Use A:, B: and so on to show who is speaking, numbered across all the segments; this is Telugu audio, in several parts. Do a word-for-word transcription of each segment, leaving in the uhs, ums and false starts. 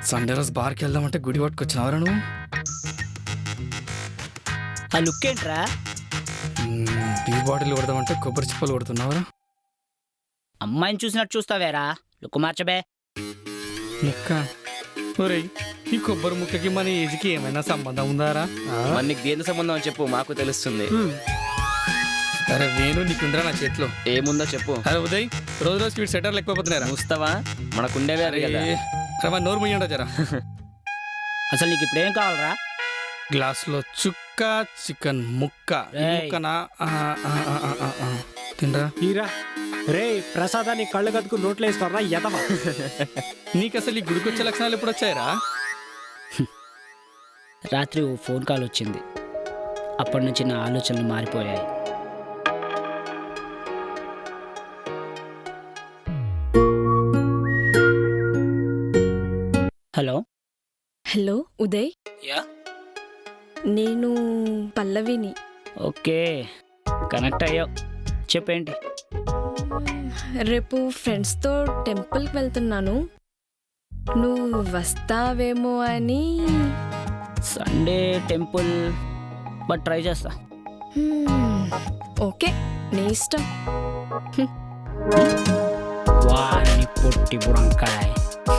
A: సండే రోజు బార్కి వెళ్దామంటే గుడి పట్టుకొచ్చినవరా నువ్వు?
B: ఆ లుక్ ఏంట్రా?
A: టీ బాటిల్ కొడదామంటే కొబ్బరి చిప్పలు కొడుతున్నావరా?
B: అమ్మాయిని చూసినట్టు చూస్తావేరా, లుక్ మార్చబే.
A: ముక్క ఒరేయ్, ఈ కొబ్బరి ముక్కకి మన ఏజ్కి ఏమైనా సంబంధం ఉందారా?
C: మరి నీకు దేని సంబంధం అని చెప్పు, మాకు తెలుస్తుంది.
A: అరే వేణు, నీకుందరా నా చేతిలో?
C: ఏముందో చెప్పు.
A: అరే ఉదయ్, రోజు రోజు స్వీట్ సెటర్లు ఎక్కువైపోతున్నారా?
C: చూస్తావా, మనకుండేవే అరే కదా.
A: అరే మా నోరు ముయ్యండి జరా.
B: అసలు నీకు ఇప్పుడేం కావాలరా?
A: గ్లాసులో చుక్క చికెన్ ముక్క. ఈ
B: రేయ్.
A: ముక్కనా? ఆ, ఆ, ఆ, ఆ, ఆ, ఆ. తినరా?
D: హీరా రే ప్రసాదాన్ని కళ్ళు కదుకు నోట్లో వేసుకోరా ఎదవా.
A: నీకు అసలు ఈ గుడికొచ్చే లక్షణాలు ఎప్పుడు వచ్చాయరా?
B: రాత్రి ఓ ఫోన్ కాల్ వచ్చింది, అప్పటి నుంచి నా ఆలోచనలు మారిపోయాయి. హలో.
E: Hello Uday,
B: yeah.
E: నేను పల్లవిని.
B: ఓకే, కనెక్ట్ అయ్యావు. చెప్పేంటి?
E: రేపు ఫ్రెండ్స్తో టెంపుల్కి వెళ్తున్నాను, నువ్వు వస్తావేమో అని.
B: సండే టెంపుల్, బట్ ట్రై చేస్తా.
E: హ్మ్, ఓకే, నీ ఇష్టం.
B: వాని పొట్టి బుడంకాయ్.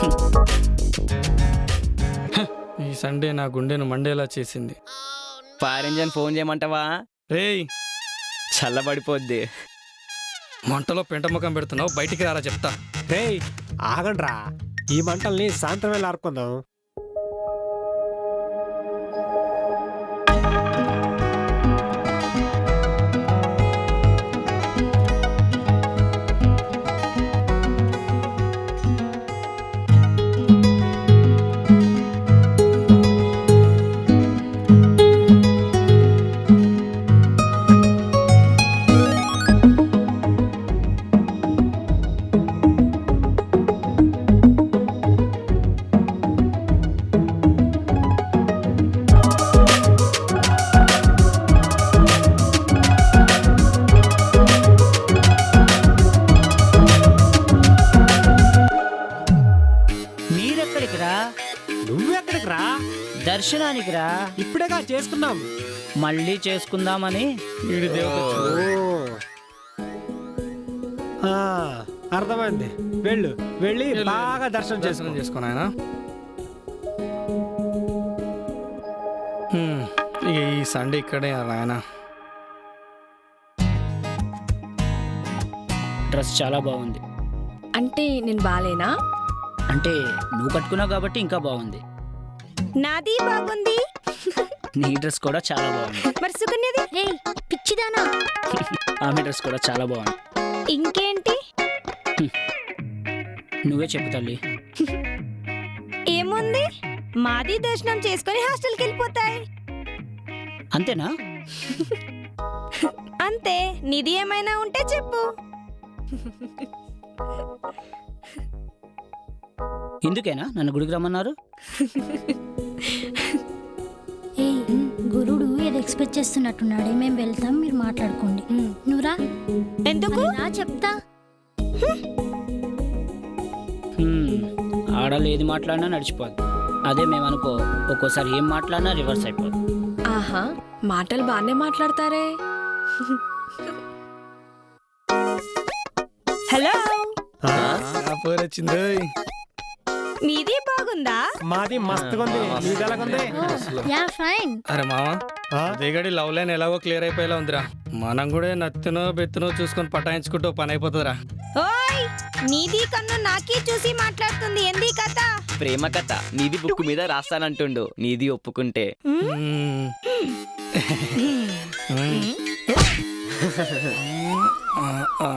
A: ఈ సండే నా గుండెను మండేలా చేసింది.
C: ఫైర్ ఇంజన్ ఫోన్ చేయమంటావా?
A: రేయ్,
C: చల్లబడిపోద్ది.
A: మంటలో పెంట ముఖం పెడుతున్నావు, బయటికి రారా చెప్తా.
D: రే ఆగండ్రా, ఈ మంటల్ని సాయంత్రం వేళ ఆర్పుకుందాం.
B: మీరెక్కడికి రా?
D: నువ్వెక్కడికి రా?
B: దర్శనానికి రా.
D: ఇప్పుడేగా చేసుకున్నాం.
B: మళ్ళీ చేసుకుందామని.
A: వీడి దేవత
D: ఓ. ఆ, అర్థమైంది, వెళ్ళు, వెళ్ళి బాగా దర్శనం చేసుకో.
A: దర్శనం చేసుకుని ఆయన. ఇక ఈ సండే ఇక్కడే ఆయన.
B: డ్రెస్ చాలా బాగుంది.
E: అంటే నేను బాలేనా?
B: అంటే నువ్వు కట్టుకున్నావు కాబట్టి ఇంకా బాగుంది.
E: నాది బాగుంది.
B: నీ డ్రెస్ కూడా చాలా బాగుంది.
E: మరి సుకన్యది?
F: రేయ్ పిచ్చిదానా,
B: ఆమె డ్రెస్ కూడా చాలా బాగుంది.
E: ఇంకేంటి?
B: నువ్వే చెప్పు తల్లి.
E: ఏముంది, మాది దర్శనం చేసుకొని హాస్టల్కి వెళ్ళిపోతాయి.
B: అంతేనా?
E: అంతే, నిధి ఏమైనా ఉంటే చెప్పు.
B: ఇందుకేనా నన్ను గుడికి రమ్మన్నారు?
F: ఏయ్ గురుడు ఏదో ఎక్స్పెక్ట్ చేస్తున్నట్టున్నాడే, మేము వెళ్తాం, మీరు మాట్లాడుకోండి. నువ్వురా.
E: ఎందుకు?
F: నా చెప్తా.
B: హ్మ్, ఆడలు ఏది మాట్లాడినా నడిచిపోద్ది. అదే మేమనుకో, ఒక్కోసారి ఏం మాట్లాడినా రివర్స్ అయిపోద్ది.
E: ఆహా, మాటలు బాగానే మాట్లాడతారే. హలో,
A: వచ్చింది.
E: మీది బాగుందా?
D: మాది మస్తుగా ఉంది, నీది ఎలాగుంది?
F: Yeah fine.
A: అరే మావా,
D: ఆ?
A: దిగడి లవ్ లైన్ ఎలాగో క్లియర్ అయిపోయేలా ఉందిరా. మనం కూడా నత్తినో బెత్తునో చూసుకొని పటాయించుకుంటూ పని అయిపోతుందిరా.
E: ఓయ్, నీది కన్ను నాకే చూసి మాట్లాడుతుంది, ఏంది కథ?
C: ప్రేమ కథ నీది బుక్ మీద రాస్తానంటుండు, నీది ఒప్పుకుంటే.
A: మ్మ్. మ్మ్. ఆ, ఆ.